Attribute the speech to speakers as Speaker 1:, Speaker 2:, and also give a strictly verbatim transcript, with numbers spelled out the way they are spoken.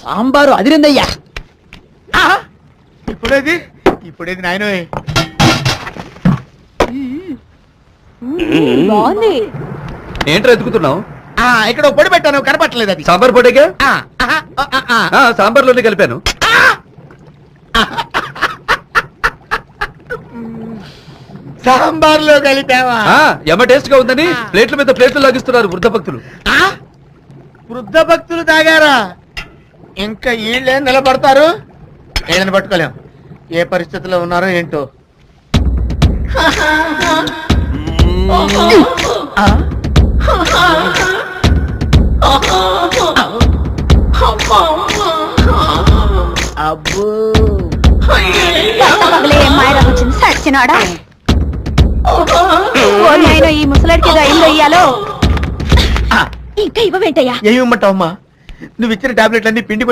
Speaker 1: సాంబారు అదిరిందయ్యా.
Speaker 2: ఇప్పుడేది ఇప్పుడేది నాయన
Speaker 3: బాగుంది.
Speaker 4: ఏంట్రా ఎత్తుకుతున్నావు?
Speaker 2: ఇక్కడ పొడి పెట్టాను కనపట్టలేదు అది.
Speaker 4: సాంబార్ పొడిగా?
Speaker 2: ఆ, ఆహా, ఆ, ఆ, ఆ.
Speaker 4: సాంబార్ లోనే కలిపాను.
Speaker 2: సాంబార్లో కలిపావా?
Speaker 4: ఎమ్మ టేస్ట్ గా ఉందని ప్లేట్ల మీద ప్లేట్లు లాగిస్తున్నారు వృద్ధ భక్తులు.
Speaker 2: వృద్ధ భక్తులు తాగారా? ఇంకా వీళ్ళే నిలబడతారు. వీళ్ళని పట్టుకోలేం. ఏ పరిస్థితిలో ఉన్నారో ఏంటో. ఆ? అబ్బో
Speaker 3: వచ్చింది సచ్చినాడా. ఆయన ఈ ముసలాడికి ఏదో అయిందో ఇయ్యాలో. ఇంకా ఇవ్వవేంటయ్యా?
Speaker 2: ఏమిమ్మంటావమ్మా? నువ్వు ఇచ్చిన టాబ్లెట్లన్నీ పిండి